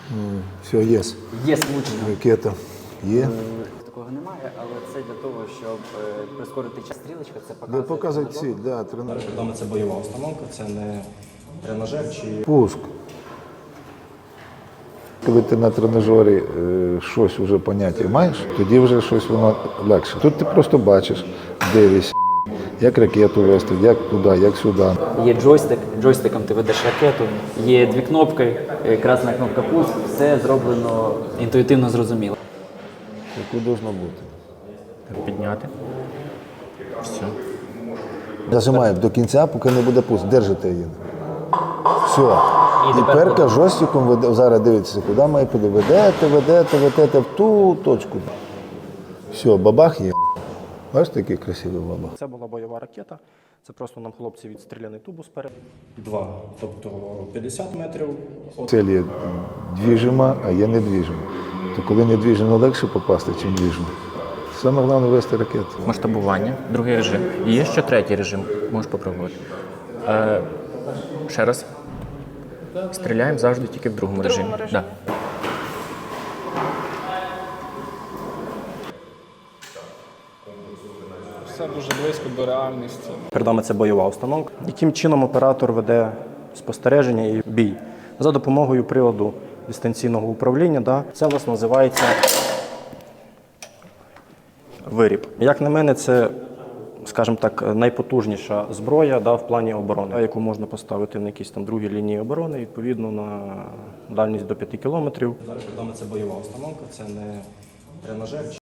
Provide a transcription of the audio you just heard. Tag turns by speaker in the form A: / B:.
A: Все, є.
B: Є влучення.
A: Ракета є.
B: Такого немає, але це для того, щоб прискорити час. Стрілочка, це
A: Де
B: показує.
A: показують ціль, да, тренаж.
C: Відомо, це бойова установка, це не тренажер чи
A: Пуск. Коли ти на тренажері щось вже поняття маєш, тоді вже щось воно легше. Тут ти просто бачиш, дивишся, як ракету вести, як туди, як сюди.
B: Є джойстик, джойстиком ти ведеш ракету, є дві кнопки, красна кнопка пуск, все зроблено інтуїтивно зрозуміло.
A: Яку должно бути.
B: Підняти. Все.
A: Зажимаємо до кінця, поки не буде пуск. Держите її. Все. І
B: тепер
A: перка жорстком веде, зараз дивіться, куди має піде. Ведете в ту точку. Все, бабах є. Бачите, який красивий бабах.
C: це була бойова ракета. Це просто нам хлопці відстріляний тубус спереду. 2, тобто 50 метрів.
A: Цель є двіжима, а є недвіжима. То коли недвіжимо легше попасти, чим двіжимо. Саме головне вести ракету.
D: Масштабування, другий режим. І є ще третій режим, можеш попробувати. Ще раз. Стріляємо завжди тільки в другому режимі. Да.
E: Все дуже близько до реальності.
C: Перед нами це бойова установка. Яким чином оператор веде спостереження і бій? За допомогою приладу дистанційного управління. Да? Це у нас називається виріб. Як на мене, це, скажімо так, найпотужніша зброя, да, в плані оборони, яку можна поставити на якісь там другі лінії оборони, відповідно на дальність до 5 кілометрів. Зараз перед нами це бойова установка, це не тренажер.